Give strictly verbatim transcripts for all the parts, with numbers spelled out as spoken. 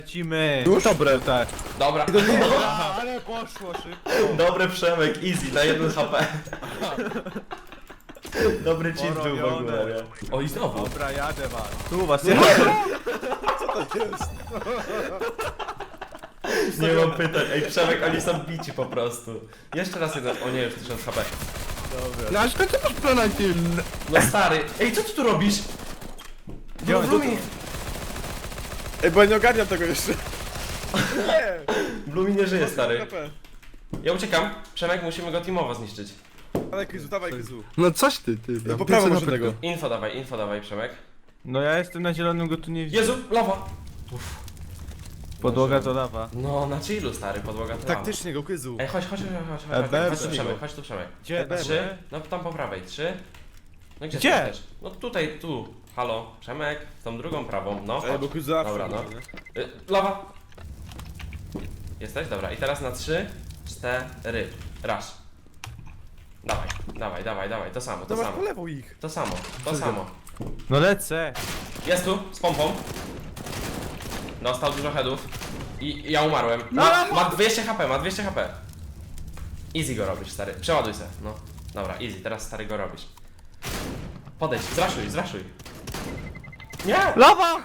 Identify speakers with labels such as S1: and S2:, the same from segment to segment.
S1: Lecimy.
S2: Już? Dobre.
S1: Tak.
S3: Dobra.
S1: Aha, ale poszło szybko.
S3: Dobry Przemek, easy, na jeden H P. Dobry cheat był w ogóle, nie? O i znowu.
S1: Dobra, jadę was. Tu was ja.
S3: Nie mam pytań. Ej Przemek, oni są bici po prostu. Jeszcze raz jeden. O nie, już tysiąc H P.
S2: No ale skąd ty masz planety?
S3: No stary. Ej, co ty tu robisz?
S1: Gdzie on
S3: Blumi,
S2: Ej, bo ja nie ogarniam tego jeszcze. Nie!
S3: Blumi nie żyje, stary. Ja uciekam. Przemek, musimy go teamowo zniszczyć.
S2: Dawaj Kryzu, dawaj Kryzu.
S4: No coś ty, ty.
S2: Po prawo może tego.
S3: Info dawaj, info dawaj, Przemek.
S1: No ja jestem na zielonym, go tu nie widzę.
S3: Jezu, lawa! Uff.
S1: Podłoga to lawa.
S3: No, na chillu, stary, podłoga to lawa.
S2: Taktycznie go Kryzu.
S3: Ej, chodź, chodź, chodź, chodź,
S1: E,
S3: chodź,
S1: B,
S3: chodź tu
S1: B.
S3: Przemek, chodź tu Przemek.
S1: Gdzie?
S2: B,
S3: Trzy, no tam po prawej, trzy. No gdzie?
S1: Gdzie?
S3: Chcesz? No tutaj, tu. Halo, Przemek, w tą drugą prawą, no
S2: Ej, bo
S3: chodź.
S2: Kryzu zawsze.
S3: Dobra, no.
S2: nie?
S3: Y, lawa! Jesteś? Dobra, i teraz na trzy, cztery. Raz. Dawaj, dawaj, dawaj, dawaj, to samo, to
S2: Dobra, po
S3: samo.
S2: lewo ich.
S3: To samo, to samo.
S1: No lecę.
S3: Jest tu, z pompą. Dostał dużo headów. I ja umarłem.
S1: No,
S3: Ma,
S1: no.
S3: ma dwieście H P, ma dwieście H P. Easy go robisz, stary. Przeładuj se, no. Dobra, easy, teraz stary go robisz. Podejdź, zraszuj, zraszuj. Nie!
S1: Lawa!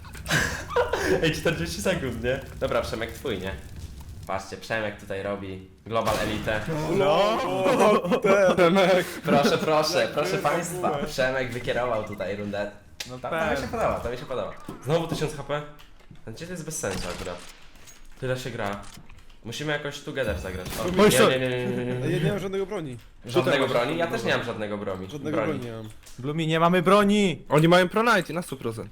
S3: Ej, czterdzieści sekund, nie? Dobra, Przemek twój, nie? Patrzcie, Przemek tutaj robi Global Elite.
S1: No.
S2: Temek.
S3: Proszę, proszę, proszę państwa. Przemek wykierował tutaj rundę.
S1: No
S3: Ta, ta mi się podoba, to mi się podoba. Znowu tysiąc H P? Ten cheat jest bez sensu akurat. Tyle się gra. Musimy jakoś together zagrać. O,
S2: Oj,
S3: nie,
S2: sorry.
S3: nie, nie, nie, nie,
S2: Ja
S3: nie.
S2: nie mam żadnego broni.
S3: Żadnego
S4: Tutaj
S3: broni? Ja też nie mam żadnego broni.
S2: Żadnego
S3: broni.
S2: broni nie mam.
S1: Blumi, nie mamy broni.
S4: Oni mają pronajty na sto procent.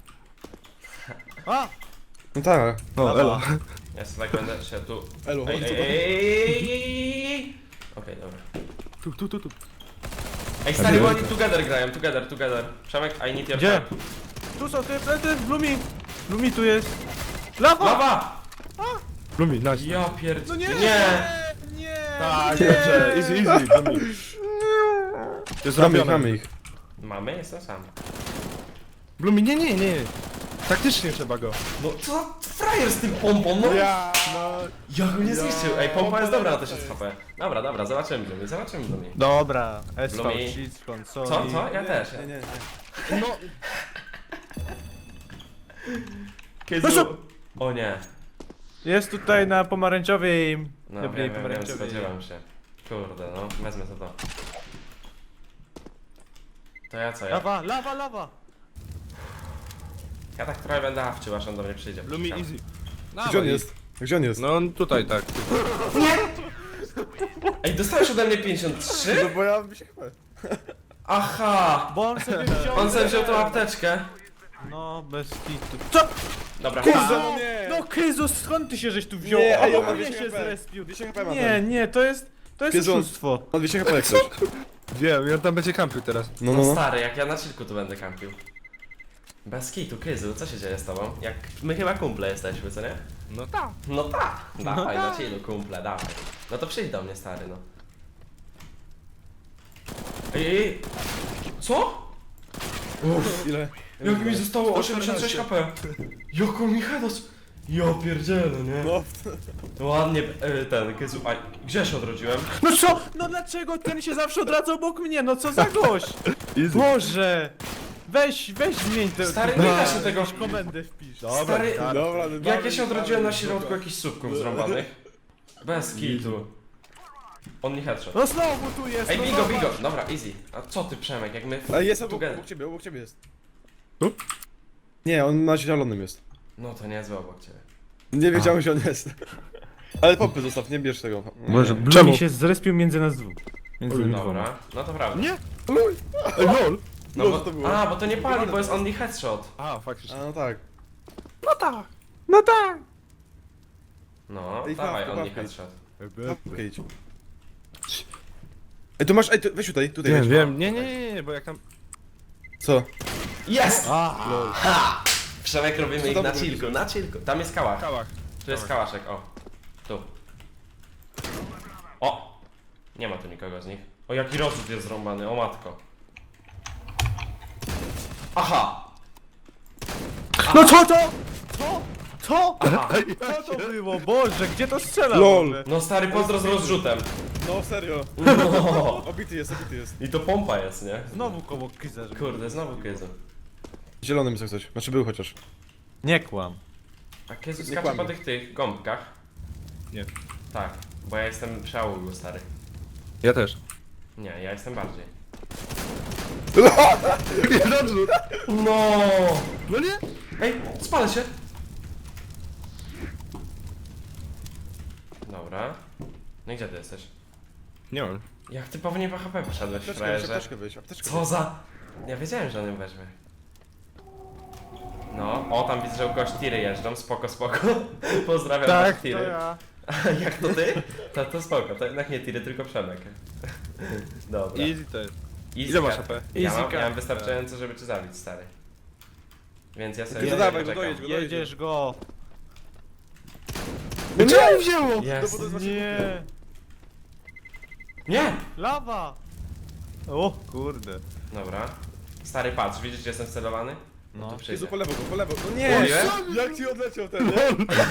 S1: A!
S2: No tak.
S1: No, elo.
S3: Ja sobie tak będę się tu...
S2: Elo,
S3: Ej,
S2: chodź
S3: ej,
S2: tu.
S3: ej, ej, ej, ej. Okej, dobra.
S4: Tu, tu, tu, tu.
S3: Ej, stary, bo oni together grają, together, together. Przemek, I need your
S1: Gdzie?
S3: help.
S1: Tu są te plety, Blumi. Blumi tu jest. Lawa!
S3: Lawa!
S4: Lumi, nice.
S3: Ja pierd...
S1: No nie!
S3: Nie!
S1: Nie!
S4: Tak, dobrze, easy, easy. Lumi. Jest
S2: Mamy ich,
S4: zrobione.
S2: mamy ich.
S3: Mamy? Jestem sam.
S4: Lumi, nie, nie, nie. Taktycznie trzeba go.
S3: No co za frajer z tym pompą, no!
S2: Ja.
S4: No,
S3: Ja go nie zniszczył. Ej, pompa jest dobra na tysiąc H P. Dobra, dobra, zobaczymy Blumi, zobaczymy Blumi.
S1: Dobra, S V,
S3: Blumi.
S1: cheat z konsoli.
S3: Co, co? Ja też.
S2: Nie, nie, nie.
S4: no.
S3: Kizu. O nie.
S1: Jest tutaj na pomarańczowej.
S3: No
S1: Dobrej
S3: wiem, wiem, wiem,
S1: pomarańczowej.
S3: spodziewam się. Kurde, no, wezmę to to. To ja co, ja?
S1: Lawa, lawa, lawa!
S3: Ja tak trochę będę awczył, aż on do mnie przyjdzie.
S4: Lumi,
S3: Czekam.
S4: easy.
S2: Gdzie on jest? Gdzie on jest?
S4: No on tutaj tak.
S3: Ej, dostałeś ode mnie pięćdziesiąt
S2: No
S3: trzy?
S2: bo ja bym się chyba...
S3: Aha!
S1: Bo on sobie wziął.
S3: On sobie wziął tą apteczkę.
S1: No, bez kitu. Co?
S3: Dobra,
S2: Kurde,
S3: ha.
S2: no nie!
S1: No Kryzus, skąd ty się żeś tu wziął?
S2: Nie, ej,
S1: O,
S2: on ma
S1: mnie
S2: dwieście
S1: się
S2: H P.
S1: zrespił.
S2: dwieście H P ma
S1: Nie,
S2: ten.
S1: nie, to jest. To jest
S2: Kryzus.
S1: oszustwo.
S2: Ma dwieście H P jak coś.
S4: Wiem, ja tam będzie kampił teraz.
S2: No,
S3: No
S2: no, no.
S3: stary, jak ja na chillku tu będę kampił. Bez kitu, Kyzu, co się dzieje z tobą? Jak my chyba kumple jesteśmy, co nie?
S4: No tak.
S3: No tak, dawaj,
S1: tak.
S3: na chillu, kumple, dawaj. No to przyjdź do mnie, stary, no. Ej, ej, ej. Co?
S2: Ile?
S3: Jak mi zostało osiemdziesiąt sześć H P? Jaką mi hedos? Ja pierdzielę, nie?
S2: No.
S3: Ładnie, e, ten, Kyzu, a gdzie się odrodziłem?
S1: No co? No dlaczego ten się zawsze odradza obok mnie? No co za gość?
S4: Easy.
S1: Boże! Weź, weź zmień te.
S3: Stary,
S1: te-
S3: nie da się tego-
S1: jakąś komendę wpisz.
S3: Stary,
S2: Dobra,
S3: jak ja się odrodziłem na środku jakichś słupków zrąbanych? Bez kitu. On nie headshot.
S1: No znowu tu jest.
S3: Ej,
S1: no
S3: bigo,
S1: zobacz.
S3: bigo! Dobra, easy. A co ty, Przemek, jak my...
S2: Ale jest obok,
S3: together.
S2: obok ciebie, obok ciebie jest.
S4: Tu?
S2: Nie, on na zielonym jest.
S3: No to niezłe obok ciebie.
S2: Nie wiedziałem, gdzie on jest. Ale pompy zostaw, nie bierz tego.
S1: Boże,
S4: Czemu?
S1: Blumi się zrespił między nas dwóch. Między nami dwoma.
S3: Dobra, no to prawda.
S4: Nie? Luj. Ej, lol.
S3: No
S2: No,
S3: bo,
S2: to było.
S3: a, bo to nie pali, bo jest only headshot.
S4: A, faktycznie.
S2: A no tak.
S4: No tak.
S1: No tak!
S3: No,
S2: Ej,
S3: dawaj,
S2: fawka,
S3: only
S2: fawka.
S3: headshot.
S2: Okej, idź. Ej, tu masz, ej, tu, weź tutaj, tutaj
S4: Wiem,
S2: weź.
S4: wiem. Nie, nie, nie, nie, bo jak tam...
S2: Co?
S3: Jest!
S1: A,
S3: Ha! Przemek robimy
S2: Co
S3: ich
S2: tam
S3: na
S2: robisz?
S3: chillku, na chillku. Tam jest kałach.
S4: Kałach.
S3: Tu jest kałaszek, o. Tu. O! Nie ma tu nikogo z nich. O, jaki rozrzut jest zrąbany, o matko. Aha!
S1: no co to? Co? Co?
S3: Aha.
S1: Co to było? Boże, gdzie to strzela?
S2: Lol.
S1: w ogóle?
S3: No stary, pozdro z rozrzutem.
S2: No serio.
S3: No.
S2: Obity jest, obity jest.
S3: I to pompa jest, nie?
S1: Znowu koło Kiza, żeby...
S3: Kurde, znowu Kyzu.
S2: Zielonym jest jak coś. Znaczy był chociaż.
S1: Nie kłam.
S3: A Kyzu
S2: Nie
S3: skacze
S2: kłamie.
S3: po tych tych gąbkach?
S4: Nie.
S3: Tak, bo ja jestem przeaługu, stary.
S4: Ja też.
S3: Nie, ja jestem bardziej.
S4: Jeden rzut.
S3: No.
S4: No nie?
S3: Ej, spalę się. Dobra. No i gdzie ty jesteś?
S4: Nie mam.
S3: Jak ty pewnie w H P poszedłeś,
S2: Apteczkę, weź,
S3: frajerze?
S2: apteczkę wyjść, apteczkę
S3: Co za... Ja wiedziałem, że on ją weźmie. No, o tam widzę, że u kogoś tiry jeżdżą, spoko, spoko. Pozdrawiam
S1: Tak,
S3: was,
S1: to
S3: tiry.
S1: ja.
S3: Jak to ty? To, to spoko, to jednak nie tiry, tylko Przemek. Dobra.
S4: Easy to jest.
S3: Easy
S4: Ile masz
S3: cut.
S4: H P?
S3: Ja
S1: Easy
S3: mam, ja mam
S1: cut.
S3: wystająco, żeby cię zabić, stary. Więc ja sobie
S2: Ty
S3: tutaj
S2: dawaj,
S3: poczekam.
S2: dojedź go.
S1: Jedziesz go.
S2: No
S4: Czemu wzięło?
S3: Jest.
S2: No bo to-
S1: Nie.
S3: Nie!
S1: Lawa. O kurde.
S3: Dobra. Stary, patrz, widzisz, gdzie jestem celowany?
S1: No.
S3: tu
S2: Jezu,
S3: przyjdę.
S2: po lewo go, po lewo. No
S3: O
S2: nie!
S3: nie?
S2: Jak ci odleciał ten, nie?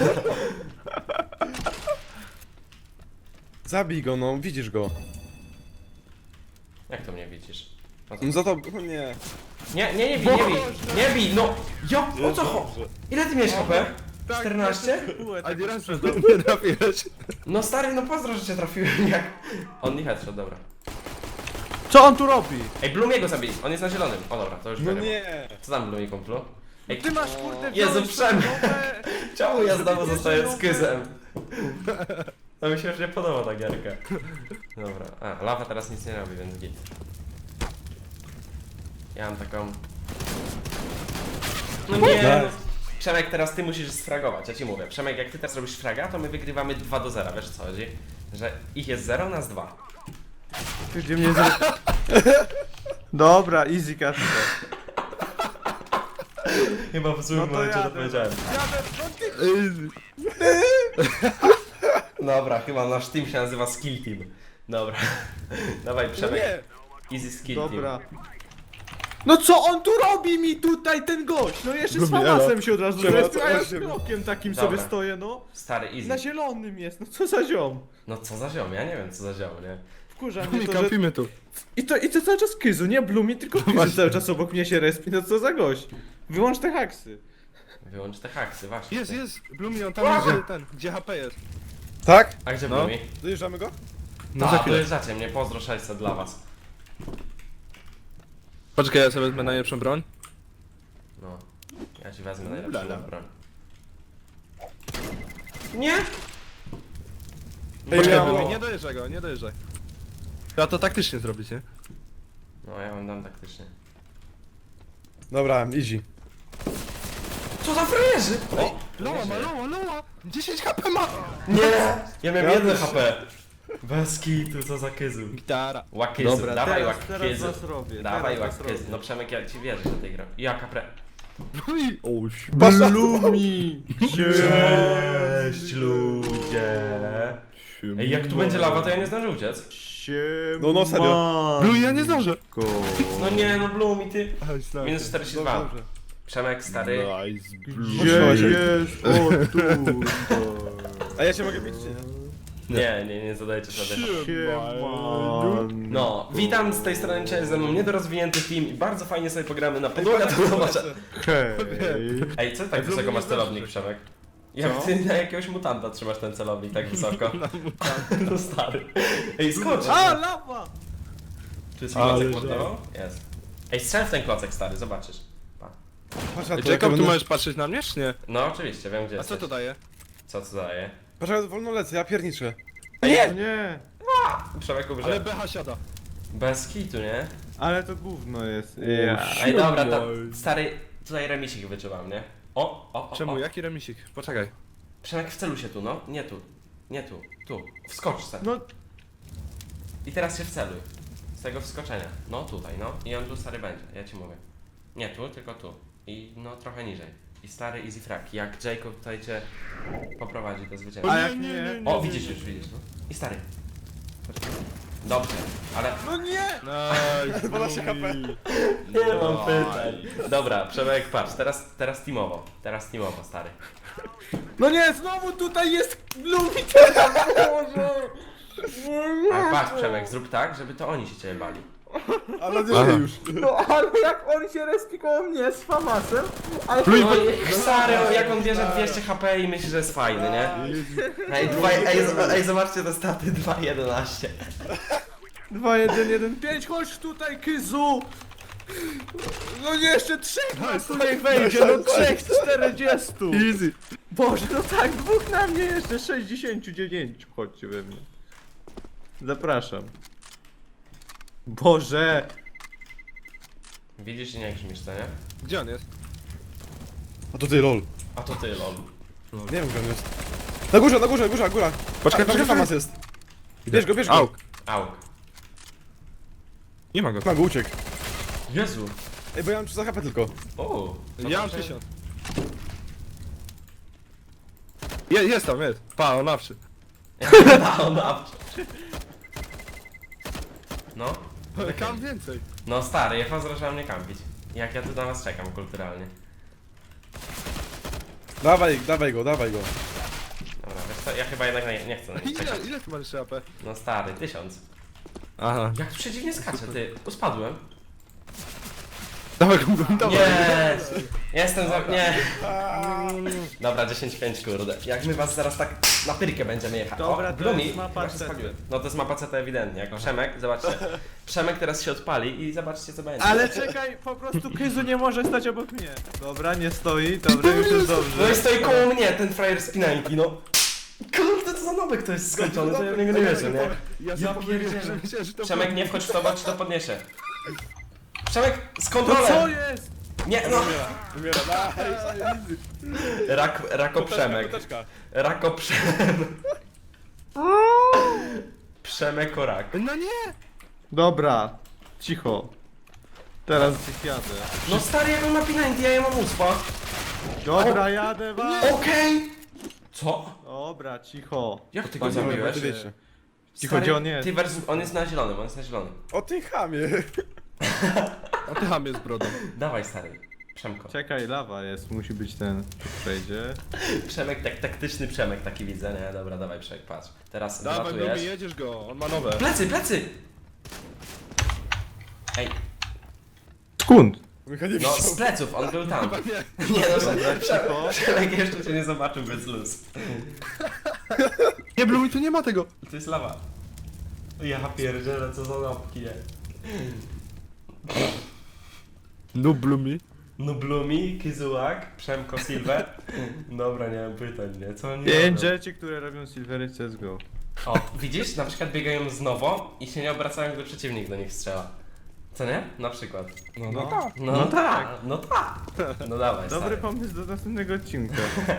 S2: Zabij go, no, widzisz go.
S3: Jak to mnie widzisz? O co?
S2: No za to, no nie.
S3: Nie, nie, nie bij, nie bij! Nie bij, no! Jo, o co cho... Ile ty miałeś H P? czternaście?
S4: A nie raz nie trafiłeś.
S3: No stary, no pozdro, że cię trafiłem, jak... On nie headshot, dobra.
S1: Co on tu robi?
S3: Ej, Blumiego zabij, on jest na zielonym. O dobra, to już
S2: No
S3: wiem.
S2: nie.
S3: Co tam Blumi, kumplu? Ej,
S1: Ty masz kurde
S3: Jezu,
S1: wziąć
S3: Przemek.
S1: nowe-
S3: czemu ja znowu
S1: Wiecie,
S3: zostaję
S1: że
S3: z kyzem? To mi się już nie podoba ta gierka. Dobra, a, lawa teraz nic nie robi, więc git. Ja mam taką... No nie, no. Przemek, teraz ty musisz sfragować, ja ci mówię. Przemek, jak ty teraz robisz fraga, to my wygrywamy dwa do zera, wiesz o co chodzi? Że ich jest zero, nas dwa.
S1: Ty gdzie mnie zre... Dobra, easy cut.
S3: Chyba w złym
S1: No to
S3: momencie to
S1: jadę.
S3: powiedziałem.
S1: Jadę, no ty...
S3: Dobra, chyba nasz team się nazywa Skill Team. Dobra. Dawaj
S2: No
S3: Przemek.
S2: nie.
S3: Easy Skill
S1: Dobra.
S3: Team.
S1: No co on tu robi mi tutaj, ten gość? No jeszcze z
S4: Lubię,
S1: famasem się od razu
S2: Czemu
S1: zrespił,
S2: to
S1: a ja z
S2: osiem?
S1: krokiem takim
S3: Dobra.
S1: sobie stoję, no.
S3: Stary, easy.
S1: Na zielonym jest, no co za ziom.
S3: No co za ziom, ja nie wiem co za ziom, nie?
S1: Wkurza
S4: Nie
S1: mnie to, że...
S4: kampimy tu.
S1: I to, I to cały czas Kyzu, nie Blumi, tylko Kyzu cały czas obok mnie się respi, no co za gość. Wyłącz te haksy.
S3: Wyłącz te haksy, właśnie.
S4: Jest, jest. Blumi, on tam jest, gdzie ten, gdzie H P jest.
S2: Tak?
S3: A gdzie
S4: No.
S3: Blumi?
S2: Dojeżdżamy go?
S4: No
S3: No
S4: za
S3: to
S4: chwilę.
S3: dojeżdżacie mnie, pozdro sześćset dla was.
S4: Poczekaj, ja sobie wezmę najlepszą broń.
S3: No. Ja ci wezmę najlepszą
S4: Lala.
S3: broń. Nie!
S2: Ej,
S4: Poczekaj,
S2: ja-
S4: Blumi, nie dojeżdżaj go, nie dojeżdżaj. Trzeba to taktycznie zrobić, nie?
S3: No ja wam dam taktycznie.
S2: Dobra, easy.
S3: Co za frajerzy! O!
S4: Loła ma, loła, loła! dziesięć H P ma!
S3: Nie! Ja miałem
S2: Ja
S3: jedno
S2: też.
S3: H P. Bez kitu, co za kyzu.
S4: Gitara.
S3: Łakyzu,
S1: Dobra,
S3: dawaj
S1: teraz- teraz
S3: łakyzu.
S1: was robię,
S3: Dawaj
S1: teraz was
S3: łakyzu.
S1: robię.
S3: No Przemek, ja ci wierzę, że tej gra. Jaka pre...
S4: Blumi! O, ś-
S1: Blumi!
S3: Cześć ludzie! Ej, jak tu będzie lawa, to ja nie zdążę uciec.
S1: Siema.
S2: No, no, serio.
S4: Blumi, ja nie zdążę.
S3: No nie, no Blumi, ty.
S4: Aj, stary.
S3: Minus czterdzieści
S2: Dobrze,
S3: dwa.
S2: dobrze.
S3: Przemek, stary.
S4: Nice,
S1: Gdzie
S2: Proszę.
S1: jest? O tu.
S2: A ja się mogę bić, czy nie?
S3: Nie, nie, nie zadajcie sobie.
S1: Siema.
S3: No, witam z tej strony, cześć, ze mną niedorozwinięty team i bardzo fajnie sobie pogramy na podłogę, to zobaczę.
S1: Hej.
S3: Ej, co ty tak
S4: Ej,
S3: wysoko
S4: Blumi,
S3: masz
S4: nie
S3: celownik,
S4: zdążysz.
S3: Przemek? Jak
S1: Co?
S3: ty na jakiegoś mutanta trzymasz ten celownik tak wysoko? No stary. Ej, skocz!
S1: A, lawa!
S3: Czy jest
S4: Ale
S3: klocek
S4: że-
S3: pod tobą? Jest. Ej, strzel w ten klocek, stary, zobaczysz. Pa.
S2: Patrz na to, jak
S4: Jacob, tu
S2: będę-
S4: możesz patrzeć na mnie, czy nie?
S3: No oczywiście, wiem gdzie
S4: A
S3: jesteś.
S4: co to daje?
S3: Co to daje?
S2: Patrz, jak wolno lecę, ja pierniczę.
S1: Nie! Nie!
S3: Przemek umrze.
S4: Ale B H siada.
S3: Bez kitu, nie?
S1: Ale to gówno jest. Ja.
S3: Ej, dobra, to stary, tutaj remisik wyczuwam, nie? O, o, o,
S4: Czemu?
S3: o.
S4: Jaki remisik? Poczekaj.
S3: Przemek, wceluj się tu, no. Nie tu. Nie tu. Tu. Wskocz se.
S1: No,
S3: I teraz się wceluj. Z tego wskoczenia. No tutaj, no. I on tu stary będzie, ja ci mówię. Nie tu, tylko tu. I no trochę niżej. I stary easy frag. Jak Jacob tutaj cię poprowadzi do zwycięstwa.
S1: a jak nie?
S3: O, widzisz już, widzisz, no. I stary. Dobrze, ale...
S1: No nie!
S4: Nice.
S2: dwanaście H P.
S3: Nie mam pytań. Dobra, Przemek, patrz, teraz, teraz teamowo. Teraz teamowo, stary.
S1: No nie, znowu tutaj jest Blumi teraz, Boże!
S3: Ale patrz, Przemek, zrób tak, żeby to oni się ciebie bali.
S2: Ale nie
S4: Aha.
S2: już.
S1: No ale jak on się respi koło mnie z Famasem, ale
S3: No i stary, jak on bierze dwieście H P i myśli, że jest fajny, nie? Ej, dwa, ej, z- ej zobaczcie te staty, dwa jedenaście.
S1: dwa jeden jeden pięć, chodź tutaj, Kyzu! No nie, jeszcze trzech nas tutaj wejdzie, no trzech z czterdziestu!
S4: Easy.
S1: Boże, no tak, dwóch na mnie jeszcze, sześćdziesiąt dziewięć, chodźcie we mnie. Zapraszam. Boże!
S3: Widzisz i nie grzmisz, co nie?
S4: Gdzie on jest?
S2: A to ty, lol.
S3: A to ty, lol.
S2: Nie wiem gdzie on jest. Na górze, na górze, góra, góra.
S4: Poczekaj,
S2: Tam
S4: poczekaj.
S2: Famas jest. Bierz go, bierz go.
S4: Auk.
S3: Auk.
S4: Nie ma go.
S2: Ma go, uciekł.
S3: Jezu.
S2: Ej, bo ja mam trzysta H P tylko.
S3: O.
S4: Ja mam tysiąc. Je, jest tam, jest. Pa, on nawszy.
S3: No, no. No.
S4: Ale kam więcej.
S3: No stary, ja was zacząłem mnie kampić. Jak ja tu na was czekam kulturalnie.
S2: Dawaj, dawaj go, dawaj go.
S3: Dobra, wiesz co, ja chyba jednak nie, nie chcę na nich czekać.
S4: Ile, ile ty masz jeszcze A P?
S3: No stary, tysiąc.
S4: Aha.
S3: Jak tu przeciwnie skacze, ty. Uspadłem.
S4: Dawaj go, dawaj.
S3: Nie! Jestem za... nie. Dobra, dziesięć pięć kurde. Jak my was zaraz tak na pyrkę będziemy jechać.
S1: Dobra,
S3: O,
S1: to
S3: Blumi,
S1: jest mapa
S3: chyba się
S1: C T.
S3: spaliłem. No to jest mapa C T ewidentnie. Jak Przemek, zobaczcie. Przemek teraz się odpali i zobaczcie co będzie.
S1: Ale czekaj, po prostu Kyzu nie może stać obok mnie. Dobra, nie stoi, dobra, już jest
S3: No
S1: dobrze.
S3: i stoi koło mnie ten frajer z pinanki, no. Kurde, to za nowek to jest skończony, to ja w niego nie wierzę, nie?
S4: Ja,
S3: Ja
S4: sobie
S3: pierdzielę.
S4: powiedziałem, że myślałem, że to
S3: Przemek, nie wchodź w to, bo ci to podniesie. Przemek, z
S1: No
S3: kontrolą!
S1: co jest?
S3: Nie, no!
S2: Umiera, nice.
S3: Rak, rako Przemek.
S2: Koteczka.
S3: Rako Przemek. Przemek o rak.
S4: No nie!
S1: Dobra, cicho. Teraz gdzieś jadę.
S3: No stary, jak on ma pinanki, ja je mam uspa.
S1: Dobra, jadę wam.
S3: Okej! Co?
S1: Dobra, cicho.
S3: Jak ty go
S1: Panie
S3: zabiłeś?
S2: Ty wiecie.
S1: Cicho, gdzie on jest?
S3: Ty versus, on jest na zielonym, on jest na zielonym.
S2: O ty chamie.
S4: A ty ham jest brodą.
S3: Dawaj stary. Przemko.
S1: Czekaj, lawa jest, musi być ten, tu przejdzie.
S3: Przemek, tak taktyczny Przemek taki widzę, nie? Dobra, dawaj Przemek, patrz. Teraz
S4: Dawaj, Blumi,
S3: wylatujesz.
S4: jedziesz go, on ma nowe.
S3: Plecy, plecy! Ej,
S2: Nie
S1: Skąd?
S3: no
S2: widział.
S3: z pleców, on był tam.
S4: Nie.
S3: Nie no, Przemek,
S1: cicho.
S3: Przemek jeszcze cię nie zobaczył bez luz.
S4: Nie, Blumi, tu nie ma tego.
S3: To jest lawa. Ja pierdzielę, co za nopki, nie?
S4: No, Blumi.
S3: No Blumi, Kizułak, Przemko Silver. Dobra, nie mam pytań, nie? Co oni
S1: Pięć
S3: robią?
S1: rzeczy, które robią Silvery C S G O.
S3: O, widzisz? Na przykład biegają znowu i się nie obracają, gdy przeciwnik do nich strzela. Co nie? Na przykład.
S2: No, no tak.
S3: No,
S1: No
S3: tak, no tak. No dawaj,
S1: Dobry
S3: stary.
S1: pomysł do następnego odcinka.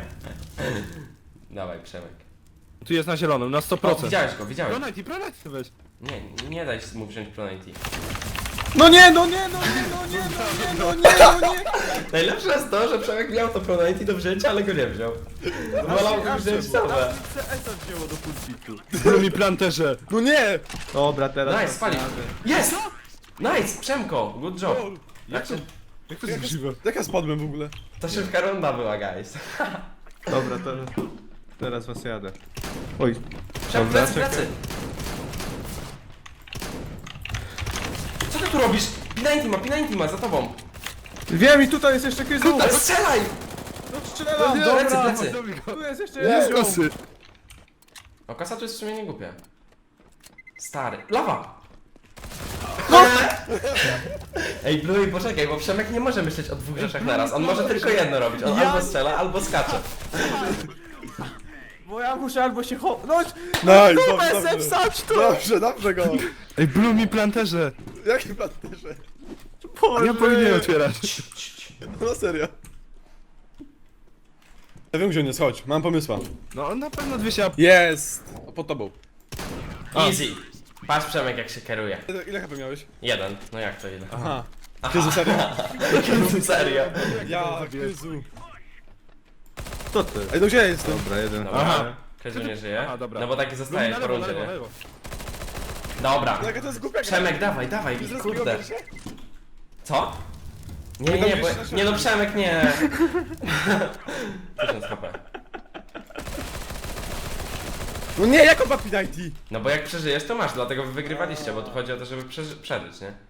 S3: Dawaj, Przemek.
S4: Tu jest na zielonym, na sto
S3: O,
S4: procent.
S3: widziałeś go, widziałeś.
S4: Pronajty, pronajty weź.
S3: Nie, nie daj mu wziąć Pronity.
S1: No nie, no nie, no nie, no nie, no nie, no nie, no nie!
S3: Najlepsze jest to, że Przemek miał to Pronity do wzięcia, ale go nie wziął. Wolał go wziąć same.
S1: C S wzięło do pulpitu.
S4: Blumi, planterze.
S2: No nie!
S1: Dobra, teraz...
S3: Nice, spalił. Jest! Nice, Przemko, good job. Jak się...
S4: Jak to jest możliwe?
S2: Jak ja spadłem w ogóle?
S3: To szybka runda była, guys.
S1: Dobra, teraz... Teraz was jadę. Oj.
S3: Przem,
S1: Dobra,
S3: plecy,
S1: czekaj.
S3: plecy. Co ty tu robisz? Pinanty ma, Pinanty ma, za tobą.
S1: Wiem i tutaj jest jeszcze Kyzu!
S3: Ale strzelaj!
S1: No strzelam,
S3: nie,
S1: dobra!
S3: plecy, plecy.
S4: Zabij go.
S1: Tu jest jeszcze
S2: Nie,
S1: jeden ziom.
S4: Kosy.
S3: O, kasa tu jest w sumie nie głupia. Stary. Lawa!
S1: No!
S3: Ej, Bluey, poczekaj, bo Przemek nie może myśleć o dwóch rzeczach naraz. On może tylko jedno robić. On
S1: Ja
S3: albo strzela, albo skacze.
S1: Bo ja muszę albo się cho... No!
S2: Nice,
S1: Kubę
S2: dobrze,
S1: se
S2: dobrze.
S1: wsadź tu!
S2: Dobrze, dobrze go.
S4: Ej, Blumi, planterze.
S2: Jaki planterze?
S1: Boże.
S4: Ja powinien otwierać.
S2: No serio. Ja wiem gdzie on jest, chodź, mam pomysła.
S4: No, na pewno dwieście A P.
S2: Jest! Pod tobą.
S3: Easy. Patrz Przemek jak się kieruje.
S2: Ile, ile H P miałeś?
S3: Jeden. No jak to ile?
S2: Aha. Jezu, serio?
S3: Serio.
S2: Ja, Jezu.
S1: Co ty?
S2: Ej, no gdzie ja jestem?
S1: Dobra, jeden.
S3: Dobra.
S1: Aha.
S3: Kezu nie żyje.
S4: Aha, dobra.
S3: No bo taki
S4: Blumi,
S3: zostaje
S4: na
S3: po
S4: lewo, na
S3: rundzie,
S4: lewo, na
S3: nie?
S4: lewo.
S3: Dobra.
S2: No jaka to jest głupia gra.
S3: Przemek, dawaj, dawaj,
S2: Zaraz
S3: kurde.
S2: zgubię się?
S3: Co? Nie, nie, nie, bo, nie no Przemek, nie. tysiąc H P.
S2: No nie, jak on ma penalty?
S3: No bo jak przeżyjesz, to masz, dlatego wy wygrywaliście, bo tu chodzi o to, żeby przeży przeżyć, nie?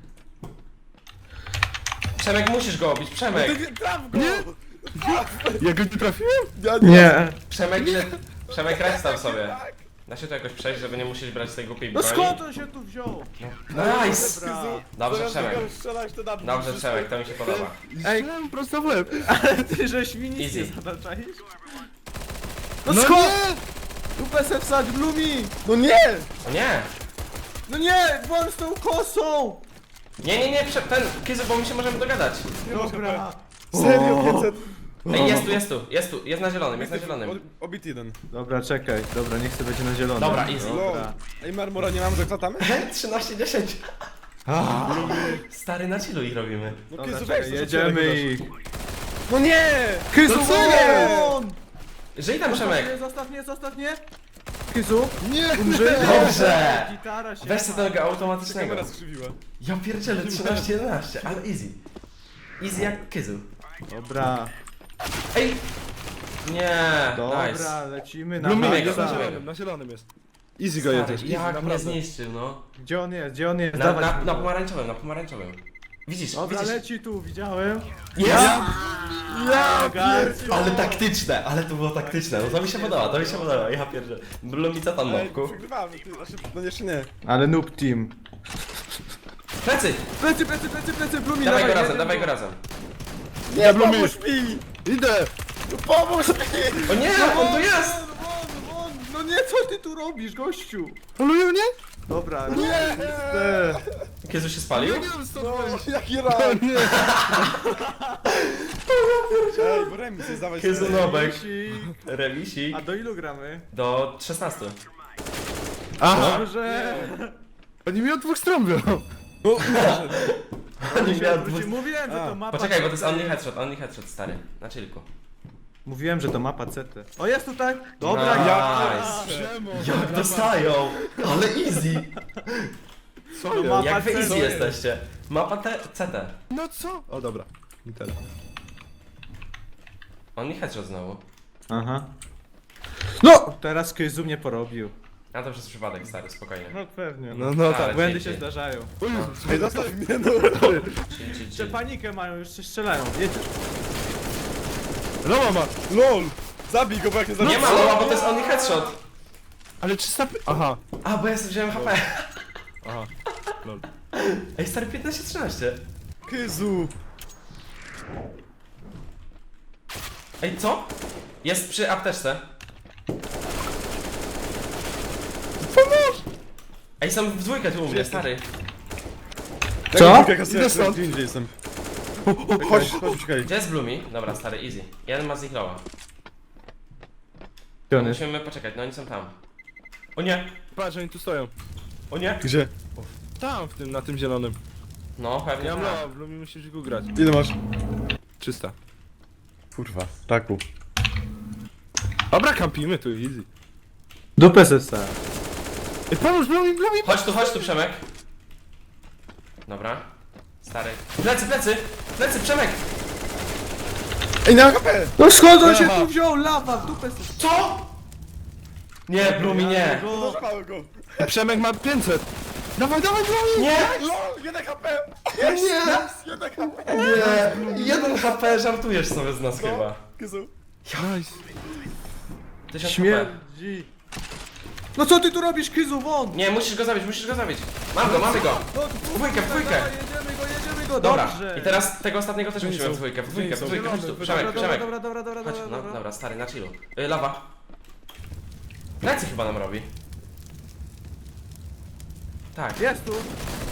S3: Przemek, musisz go obić, Przemek!
S2: Ty traf go!
S4: Ja go nie trafiłem?
S2: Ja
S1: Nie.
S3: Przemek, ile... Przemek, restał sobie. Da się to jakoś przejść, żeby nie musieć brać tej głupiej
S1: No
S3: broni?
S1: skąd on się tu wziął?
S3: Nice!
S1: Dobra.
S3: Dobrze,
S2: Zamiast
S3: Przemek.
S2: tego strzelać, to na mnie
S3: Dobrze,
S2: wszystko.
S3: Przemek, to mi się podoba.
S1: Ej.
S4: Ej, prosto w łeb.
S1: Ty żeś mi nic nie
S3: Easy.
S1: zadaczaisz? No,
S4: No
S1: skąd?
S4: nie!
S1: Dupę se wsadź, Blumi!
S2: No nie!
S3: O nie!
S1: No nie, włącz tą kosą!
S3: Nie, nie, nie, prze... ten, Kizu, bo my się możemy dogadać.
S1: Dobra.
S2: Serio, pięćset.
S3: Ej, jest tu, jest tu, jest tu, jest na zielonym, jest na zielonym.
S2: Obity jeden.
S1: Dobra, czekaj, dobra, niech sobie będzie na zielono.
S3: Dobra, easy.
S1: Dobra.
S2: Ej, marmura nie mam, że klatamy?
S3: trzynaście dziesięć. Stary, na chillu ich robimy.
S2: No
S1: Dobra,
S2: Kyzu,
S1: czekaj,
S2: weź to, co
S1: jedziemy
S2: ty
S1: ich.
S2: No nie!
S1: Kyzu,
S2: No co nie?
S1: won!
S3: Żyj tam,
S1: Zostaw
S3: Przemek!
S1: mnie, zostaw mnie, zostaw mnie! Kyzu,
S4: Nie!
S1: umrzyj!
S3: Dobrze!
S1: Gitara się...
S3: Weź sobie tego automatycznego.
S2: Kamera skrzywiła.
S3: Ja pierdzielę, trzynaście jedenaście, ale easy. Easy jak Kizu.
S1: Dobra,
S3: Ej! Nie,
S1: dobra,
S3: nice.
S1: lecimy na
S3: Lumimy
S4: Lumik
S3: go,
S4: jest na
S1: maksa.
S3: zobaczymy.
S4: zielonym, na zielonym jest. Easy go jedziesz,
S3: Stary,
S4: easy,
S3: jak mnie
S4: naprawdę.
S3: zniszczył, no.
S1: Gdzie on jest, gdzie on jest?
S3: Na,
S1: Dawaj.
S3: na, na pomarańczowym, na pomarańczowym. Widzisz,
S1: Dobra,
S3: widzisz?
S1: leci tu, widziałem.
S3: Jest!
S1: Ja garciu.
S3: Ale taktyczne, ale to było taktyczne, no to mi się podoba, to mi się podoba, ja pierdzielę. Blumi, co tam
S2: Ej,
S3: nowku?
S2: przegrywamy, ty, znaczy, no jeszcze nie.
S1: Ale noob team.
S3: Plecy!
S1: Plecy, plecy, plecy, plecy, Blumi,
S3: Dawaj go
S1: jedziemy
S3: razem, dawaj go razem.
S2: Nie,
S4: Blumi.
S2: pomóż mi!
S4: Idę!
S2: Pomóż mi!
S3: O nie, on tu jest!
S1: Won, won, no nie, co ty tu robisz, gościu?
S4: Polują mnie?
S1: Dobra,
S2: Nie!
S3: Kiezu się spalił?
S4: Ja nie wiem stąd
S2: No,
S4: wejść.
S2: jaki
S4: O
S2: rak!
S4: nie!
S2: Ej, bo remis jest, dawaj
S3: Kiezu
S2: sobie.
S3: Nobek.
S1: Remisik.
S3: Remisik.
S1: A do ilu gramy?
S3: Do szesnastu.
S4: Aha!
S1: Dobrze.
S4: Oni mi od dwóch stron biorą.
S2: No,
S3: Oni miał
S1: Wróci- Mówiłem, że
S2: A.
S1: to mapa...
S3: Poczekaj, bo to jest
S1: C T.
S3: only headshot, only headshot, stary. Na chillku.
S1: Mówiłem, że to mapa C T. O, jest tutaj! Dobra,
S3: Nice.
S1: ja...
S4: Przemo!
S3: Jak dostają! Ale easy!
S4: Co
S1: No
S4: jest?
S1: mapa
S3: Jak wy
S1: C T.
S3: easy jesteście? Mapa te, C T.
S4: No co? O dobra. I teraz.
S3: Only headshot znowu.
S1: Aha. No! Teraz Kyzu mnie porobił.
S3: A to przez przypadek, stary, spokojnie.
S1: No pewnie.
S4: No, no tak.
S3: Ale
S1: Błędy
S3: dzięki.
S1: się zdarzają.
S2: Ej, zostaw mnie, no.
S3: Chill, chill,
S1: Jeszcze
S3: chill.
S1: panikę mają, już się strzelają. Jedziesz.
S4: No mama!
S2: LOL! Zabij go, bo jak nie zabij.
S3: Nie ma loła, bo to jest only headshot.
S4: Ale trzysta... py- Aha.
S3: A, bo ja sobie wziąłem H P.
S4: Aha. Lol.
S3: Ej, stary, piętnaście trzynaście.
S2: Kyzu!
S3: Ej, co? Jest przy apteczce.
S2: Pomóż!
S3: Ej, są w dwójkę tu u mnie, stary.
S1: Co?
S2: Idę stąd. Gdzie jestem? Chodź, chodź, uciekaj.
S3: Gdzie jest Blumi? Dobra, stary, easy. Jeden ma z nich loła.
S1: Gdzie on jest?
S3: Musimy poczekać, no oni są tam. O nie!
S4: Patrz, oni tu stoją.
S3: O nie!
S2: Gdzie?
S4: Tam, w tym, na tym zielonym.
S3: No, pewnie
S4: Ja mam
S3: tak.
S4: loa, w Lumi musisz go grać.
S2: Ile masz?
S4: trzysta.
S2: Kurwa, taku.
S4: Dobra, kampimy tu, easy.
S1: Dupę sesa.
S4: Ej, pomóż, Lumi, Lumi!
S3: Chodź tu, chodź tu, Przemek. Dobra. Stary. Plecy, plecy! Plecy, Przemek!
S2: Ej, na H P!
S1: No skąd on się
S4: Aha.
S1: tu wziął? Lawa w dupę sesa.
S3: Co? Nie, Blumi, nie.
S2: Doszpałem go.
S4: Ej, Przemek ma pięćset! Dawaj, dawaj, Lumi!
S3: Nie!
S2: LOL, jeden H P!
S3: Nie!
S2: Jeden H P!
S3: Nie! Jeden H P, żartujesz sobie z nas chyba.
S2: Kyzu.
S4: Nice.
S3: Tysiąc H P.
S1: Śmierdzi. No co ty tu robisz, Kyzu, won?
S3: Nie, musisz go zabić, musisz go zabić. Mam go, mamy go.
S1: No,
S3: Dwójkę, w dwójkę.
S1: Dawaj, jedziemy go, jedziemy go,
S3: Dobra.
S1: dobrze.
S3: I teraz tego ostatniego też musimy w dwójkę, w dwójkę, w dwójkę. Chodź tu, Przemek,
S1: Dobra,
S3: Przemek.
S1: dobra, dobra, dobra,
S3: Chodź,
S1: dobra,
S3: no,
S1: dobra.
S3: dobra, stary, na chillu. Y, lawa. Plecy chyba nam robi. Tak.
S1: Jest tu.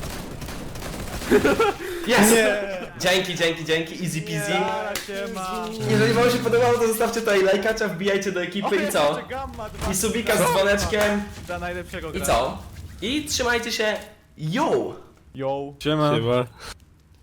S3: Jest!
S2: Nie!
S3: Dzięki, dzięki, dzięki, easy peasy.
S1: Jara się ma.
S3: Jeżeli wam się podobało, to zostawcie tutaj lajkacza, wbijajcie do ekipy i co?
S1: Jeszcze gamma dwa.
S3: I subika z dzwoneczkiem
S1: Dla najlepszego
S3: i
S1: gracza.
S3: co? I trzymajcie się, yo!
S1: Yo.
S4: Siema. Siema.